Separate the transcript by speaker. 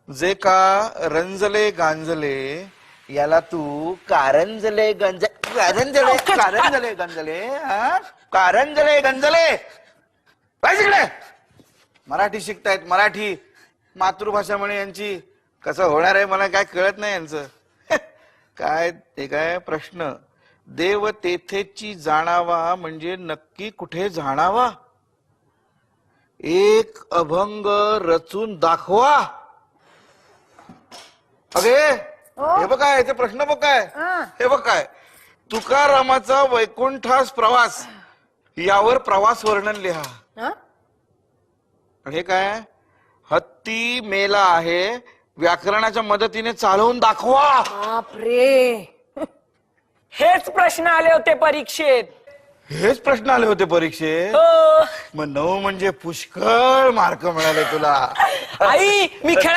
Speaker 1: जे का रंजले गांजले याला तू कारंजले कारंजले गंजले हा? कारंजले गंजले काय तिकडे मराठी शिकतायत मराठी मातृभाषा म्हणे यांची कसं होणार आहे मला काय कळत नाही यांचं काय ते काय प्रश्न देव तेथेची जाणावा म्हणजे नक्की कुठे जाणावा एक अभंग रचून दाखवा अगे हे बघ काय ते प्रश्न बघ काय हे बघ काय तुकारामाचा वैकुंठास प्रवास यावर प्रवास वर्णन लिहा हे काय हत्ती मेला आहे व्याकरणाच्या मदतीने चालवून दाखवा
Speaker 2: बापरे हेच प्रश्न आले होते परीक्षेत
Speaker 1: हेच प्रश्न आले होते परीक्षेत
Speaker 2: हो.
Speaker 1: मग 9 म्हणजे पुष्कळ मार्क मिळाले तुला
Speaker 2: आई मी